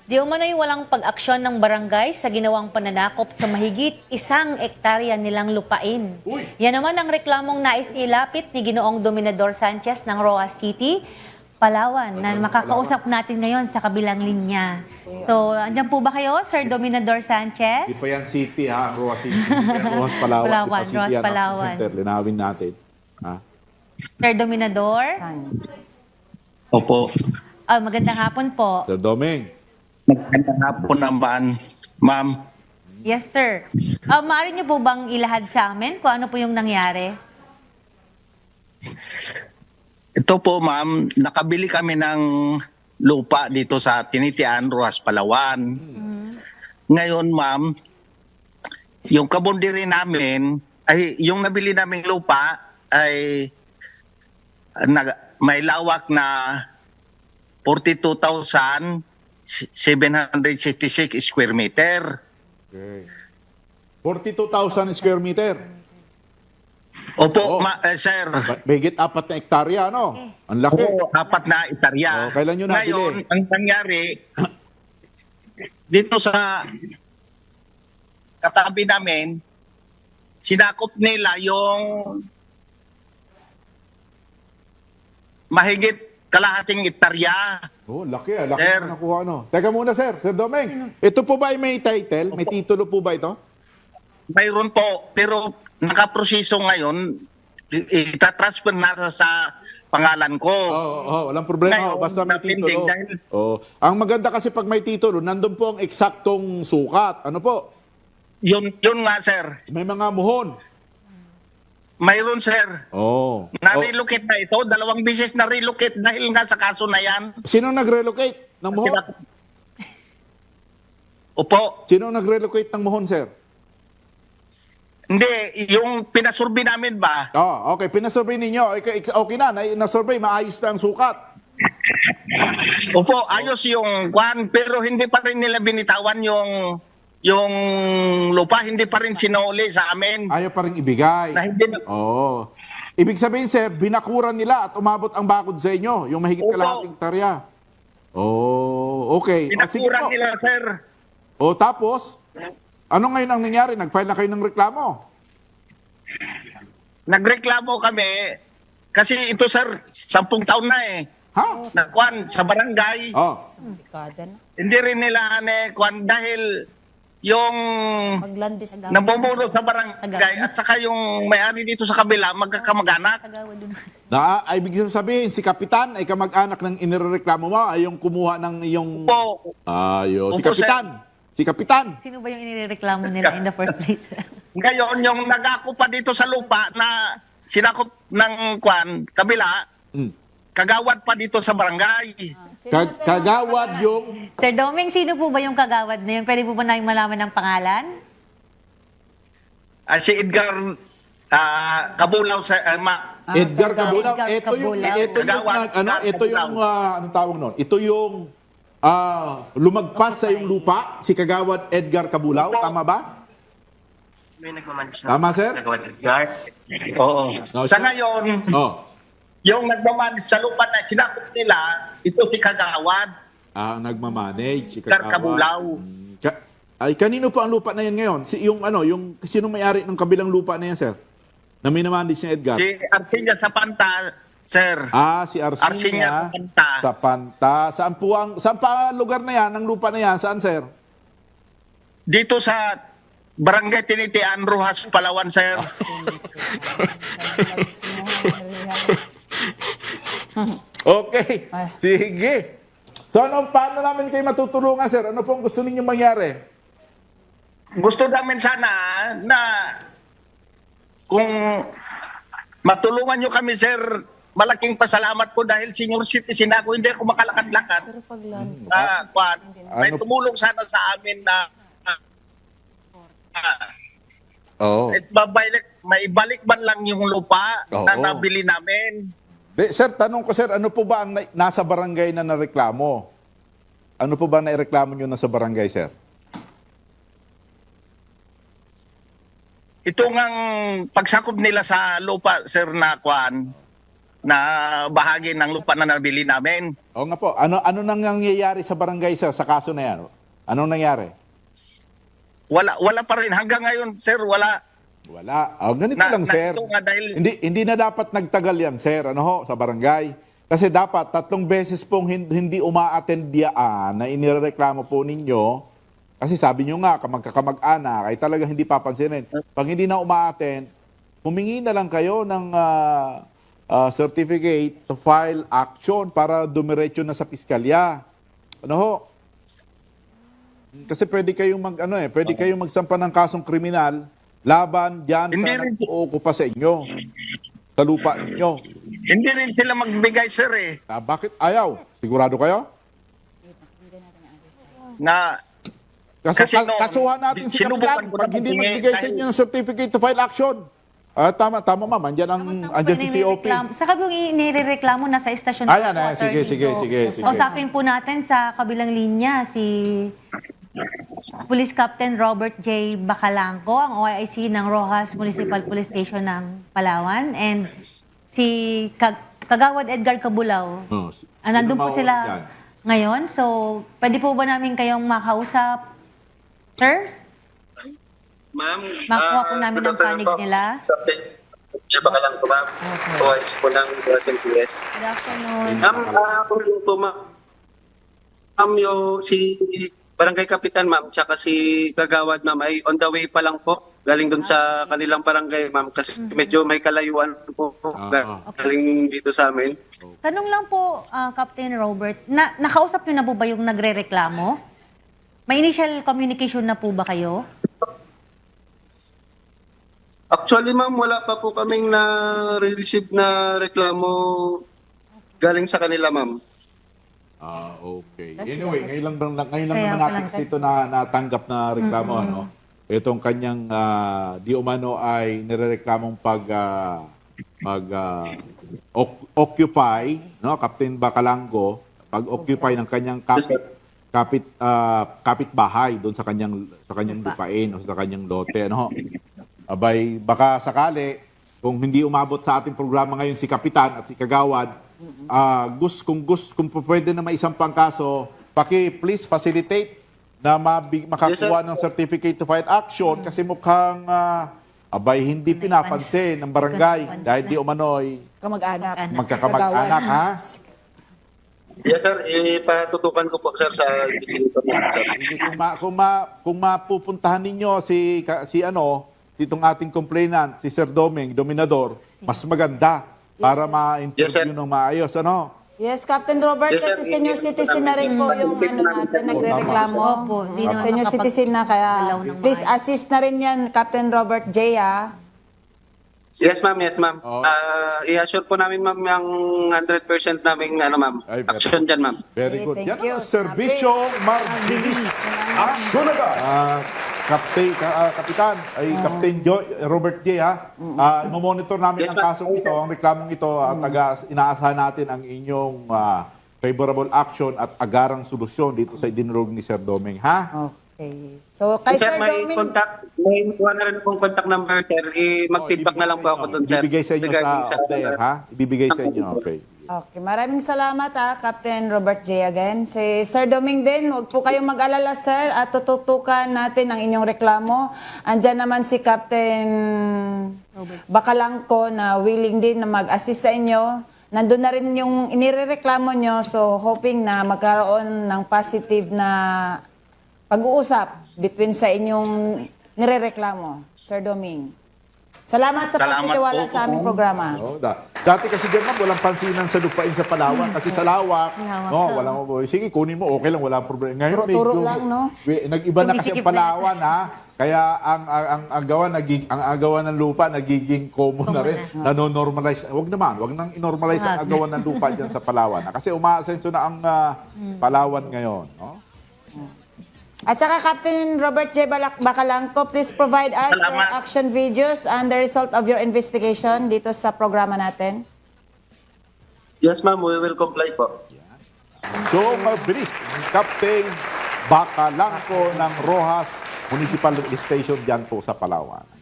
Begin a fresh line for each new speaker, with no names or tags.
Di umano'y walang pag-aksyon ng barangay sa ginawang pananakop sa mahigit 1 hektarya nilang lupain. Yan naman ang reklamong nais ilapit ni Ginoong Dominador Sanchez ng Roa City, Palawan, na makakausap natin ngayon sa kabilang linya. So, andyan po ba kayo, Sir Dominador Sanchez?
Di pa yan city ha, Roa City. Di pa yan Roas Palawan.
Palawan,
Di pa city
Roas
yan,
Palawan.
Center. Linawin natin. Ha?
Sir Dominador?
Opo.
Magandang hapon po.
Sir Doming.
Magandang hapon naman, ma'am.
Yes, sir. Maaari niyo po bang ilahad sa amin kung ano po yung nangyari?
Ito po, ma'am, nakabili kami ng lupa dito sa Tinitian, Roas, Palawan. Ngayon, ma'am, yung kabundiri namin, ay yung nabili naming lupa ay may lawak na 42,766 square meter.
Okay. 42,000 square meter.
Opo,
Oo.
sir.
Mahigit 4 na hektarya, no? Ang laki.
Oo, 4 na hektarya.
Kailan nyo nabili?
Ngayon, ang nangyari, dito sa katabi namin, sinakop nila yung mahigit kalahating hektarya.
Oh, laki ah. Laki
Sir.
na nakuha, no? Teka muna, sir. Sir Doming. Ito po ba ay may title? May titulo po ba ito?
Mayroon po, pero nakaproseso ngayon, itatransfer na sa pangalan ko.
Walang problema.
Ngayon,
Basta may
napinding
titulo.
dahil-
Ang maganda kasi pag may titulo, nandun po ang eksaktong sukat. Ano po?
Yun nga, sir.
May mga muhon.
Mayroon, sir.
Oh.
Na-relocate na ito. 2 beses na-relocate dahil nga sa kaso na yan.
Sino nag-relocate ng muhon?
Opo.
Sino nag-relocate ng muhon, sir?
Hindi, yung pinasurvey namin ba?
Oh, okay. Pinasurvey ninyo. Okay na. Na-survey. Maayos na ang sukat.
Opo, ayos yung kwan, pero hindi pa rin nila binitawan yung lupa, hindi pa rin sinuli sa amin.
Ayaw pa rin ibigay.
Na hindi na,
Oo. Ibig sabihin, sir, binakuran nila at umabot ang bakod sa inyo. Yung mahigit
Opo.
kalahating hektarya. Oh, okay. Sige
pinakuran
po.
nila, sir.
O tapos, ano ngayon ang nangyari? Nag-file na kayo ng reklamo?
Nagreklamo kami, kasi ito, sir, 10 taon na eh.
Ha?
Na kwan, sa barangay.
Oh.
Hindi rin nila kwan dahil yung
Maglandis daw.
nabumuro sa barangay at saka yung may-ari dito sa kabila, magkakamag-anak.
Ibig sabihin, si Kapitan ay kamag-anak ng inireklamo mo ay yung kumuha ng iyong...
Po,
Si
Opo,
Kapitan. Si Kapitan.
Sino ba yung inireklamo nila in the first place?
ngayon, yung nag-ako pa dito sa lupa na sinakop ng kwan, kabila,
Mm.
kagawad pa dito sa barangay.
Kagawad yung...
Sir Doming, sino po ba yung kagawad na yun? Pwede po ba namin malaman ng pangalan?
Si Edgar Kabulaw sa
Edgar Cabulaw.
Edgar
Ito yung
Cabulaw.
ito yung anong tawag noon? Ito yung lumagpas sa yung lupa, si Kagawad Edgar Cabulaw, tama ba?
May nagmamanage
Tama, sir?
Nagawa ng Edgar.
Oo.
No,
Sa
sir?
ngayon,
Oh.
yung nagmamanage sa lupa na sinakop nila, ito si Kagawad.
Nagmamanage si
Edgar
Kagawad.
Cabulaw.
Ay kanino pa ang lupa na yan ngayon? Yung sinong may-ari ng kabilang lupa na yan, sir? Na minamanage ni Edgar?
Si Arcilia Sapanta, sir.
Si Arsinia
Arsinia Sapanta.
sa Panta. Saan pa ang lugar na yan, ang lupa na yan? Saan, sir?
Dito sa Barangay Tinitian, Rojas, Palawan, sir.
Okay. Sige. So, paano namin kayo matutulungan, sir? Ano pong gusto ninyong mangyari?
Gusto namin sana na kung matulungan nyo kami, sir, malaking pasalamat ko dahil senior citizen ako, hindi ako makalakad-lakad. May
Ano-
tumulong sana sa amin na
Oo.
maibalik man lang yung lupa na
Oo.
nabili namin.
Sir, tanong ko, sir, ano po ba ang nasa barangay na nareklamo? Ano po ba naireklamo nyo na sa barangay, sir?
Ito ngang pagsakop nila sa lupa, sir, na kwan, na bahagi ng lupa na nabili namin.
O nga po, ano nang nangyayari sa barangay sa kaso na yan? Anong nangyari?
Wala pa rin hanggang ngayon, sir, wala.
Wala. Ganito lang, sir.
ito nga dahil
Hindi na dapat nagtagal yan, sir, sa barangay. Kasi dapat 3 beses pong hindi uma-attend na inireklamo po ninyo. Kasi sabi nyo nga, magkakamag-anak, ay talagang hindi papansinin. Pag hindi na uma-attend, humingi na lang kayo ng certificate to file action para dumiretso na sa piskalya. Kasi pwede kayong pwede kayong magsampa ng kasong kriminal laban diyan
Hindi
sa
rin-
nag-ookupa sa inyo. Sa lupa ninyo.
hindi rin sila magbigay, sir, eh.
Bakit ayaw? Sigurado kayo?
Na
Kasi,
Kasi no,
kasuhan natin si
sinubukan
Kapitan
ko
pag
na
hindi
humingi
magbigay sa
dahil-
inyo ng certificate to file action. Tama ma'am, andyan si COP.
Saka yung inireklamo na sa estasyon.
Ayan,
po,
sige,
attorney.
sige.
Kausapin po natin sa kabilang linya si Police Captain Robert J. Bacalangco, ang OIC ng Rojas Municipal Police Station ng Palawan, and si Kagawad Edgar Cabulao. Nandun po sila
Yan.
ngayon. So, pwede po ba namin kayong makausap, sirs?
Ma'am,
Makuha po namin ang panig nila.
Siya ba ka lang po, ma'am? OIS po ng SMPS.
Good afternoon.
Ma'am, ako rin po, ma'am. Ma'am, si Barangay Kapitan, ma'am, tsaka si Kagawad, ma'am, ay on the way pa lang po. Galing dun sa kanilang barangay, ma'am, kasi medyo may kalayuan po. Galing dito sa amin.
Tanong lang po, Captain Robert, nakausap niyo na po ba yung nagre-reklamo? May initial communication na po ba kayo?
Actually, ma'am, wala pa po kaming na-receive na reklamo galing sa kanila, ma'am.
Okay. Anyway, ngayon lang
Kaya
naman
pala
natin kasi ito na natanggap na reklamo, Itong kanyang di umano ay nirereklamong occupy, Captain Bacalangco, pag-occupy ng kanyang kapitbahay doon sa kanyang lupain o sa kanyang lote, Abay, baka sakali, kung hindi umabot sa ating programa ngayon si Kapitan at si Kagawad, kung pwede na may isang pangkaso, please facilitate na makakuha ng certificate to file action kasi mukhang hindi pinapansin ng barangay dahil di umano'y
Kamag-anak.
magkakamag-anak, ha?
Yes, sir. Ipatutukan ko po, sir, sa bisita po, sir.
Sige, kung mapupuntahan ninyo itong ating complainant, si Sir Dominador, mas maganda para ma-interview
Yes, sir.
ng maayos,
Yes, Captain Robert,
Yes, sir.
kasi senior citizen na rin po yung natin, nagre-reklamo.
Opo, di naman
Senior citizen na, kaya
makapag-alaw ng
please
maayos.
assist na rin yan, Captain Robert J.
Yes, ma'am. Yes, ma'am.
Oo.
I-assure po namin, ma'am, yung 100% naming, ma'am,
Ay, very
action dyan, ma'am.
Very
Okay,
good.
thank
Yan
you.
ang serbisyo marbilis. Action agad! Kapitan, Captain Robert J. Monitor namin
Yes,
ang
ma'am.
kasong ito, ang reklamong ito at inaasahan natin ang inyong favorable action at agarang solusyon dito sa idinurog ni Sir Doming, ha?
Okay. So, kay
Sir,
Sir
may
Doming,
may kuha na rin pong contact number, sir. Mag-feedback na lang po ako doon, sir.
Ibibigay sa inyo
Regarding
sa off the air, ha? Ibibigay sa inyo, okay.
okay, maraming salamat Captain Robert J. again. Si Sir Doming din, huwag po kayong mag-alala, sir, at tututukan natin ang inyong reklamo. Andyan naman si Captain Bacalangco na willing din na mag-assist sa inyo. Nandun na rin yung inirereklamo nyo, so hoping na magkaroon ng positive na pag-uusap between sa inyong nirereklamo, Sir Doming. Salamat sa
Salamat
pagtitiwala
po.
sa aming programa.
Dati kasi dyan, ma'am, walang pansinan sa lupain sa Palawan. Kasi sa lawak,
Lawak
sige, kunin mo, okay lang, walang problema. Ngayon,
Turo-turo lang, no?
Nag-iba na kasi ang
Sumisikip na.
Palawan, ha? Kaya ang agawan ng lupa nagiging common na rin. Nanonormalize. Wag nang inormalize ang agawan ng lupa dyan sa Palawan. Kasi umaasenso na ang Palawan ngayon. No?
At saka Captain Robert J. Bacalangco, please provide us your
Salamat.
action videos and the result of your investigation dito sa programa natin.
Yes, ma'am. We will comply po.
So, mabilis. Captain Bacalangco ng Rojas Municipal Station dyan po sa Palawan.